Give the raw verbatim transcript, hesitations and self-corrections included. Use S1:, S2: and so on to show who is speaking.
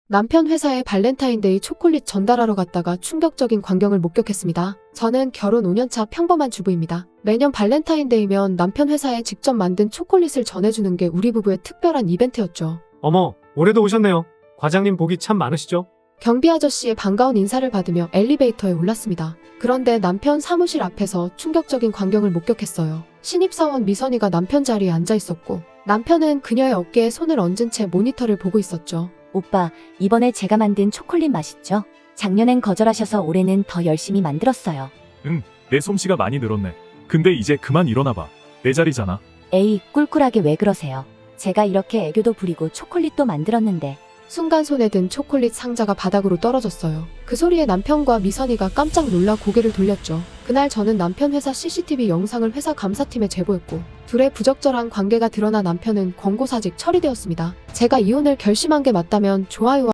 S1: 남편 회사에 발렌타인데이 초콜릿 전달하러 갔다가 충격적인 광경을 목격했습니다. 저는 결혼 오 년 차 평범한 주부입니다. 매년 발렌타인데이면 남편 회사에 직접 만든 초콜릿을 전해주는 게 우리 부부의 특별한 이벤트였죠.
S2: 어머, 올해도 오셨네요. 과장님 복이 참 많으시죠?
S1: 경비 아저씨의 반가운 인사를 받으며 엘리베이터에 올랐습니다. 그런데 남편 사무실 앞에서 충격적인 광경을 목격했어요. 신입사원 미선이가 남편 자리에 앉아 있었고 남편은 그녀의 어깨에 손을 얹은 채 모니터를 보고 있었죠.
S3: 오빠, 이번에 제가 만든 초콜릿 맛있죠? 작년엔 거절하셔서 올해는 더 열심히 만들었어요.
S4: 응, 내 솜씨가 많이 늘었네. 근데 이제 그만 일어나봐. 내 자리잖아.
S3: 에이, 꿀꿀하게 왜 그러세요? 제가 이렇게 애교도 부리고 초콜릿도 만들었는데.
S1: 순간 손에 든 초콜릿 상자가 바닥으로 떨어졌어요. 그 소리에 남편과 미선이가 깜짝 놀라 고개를 돌렸죠. 그날 저는 남편 회사 씨씨티비 영상을 회사 감사팀에 제보했고 둘의 부적절한 관계가 드러나 남편은 권고사직 처리되었습니다. 제가 이혼을 결심한 게 맞다면 좋아요와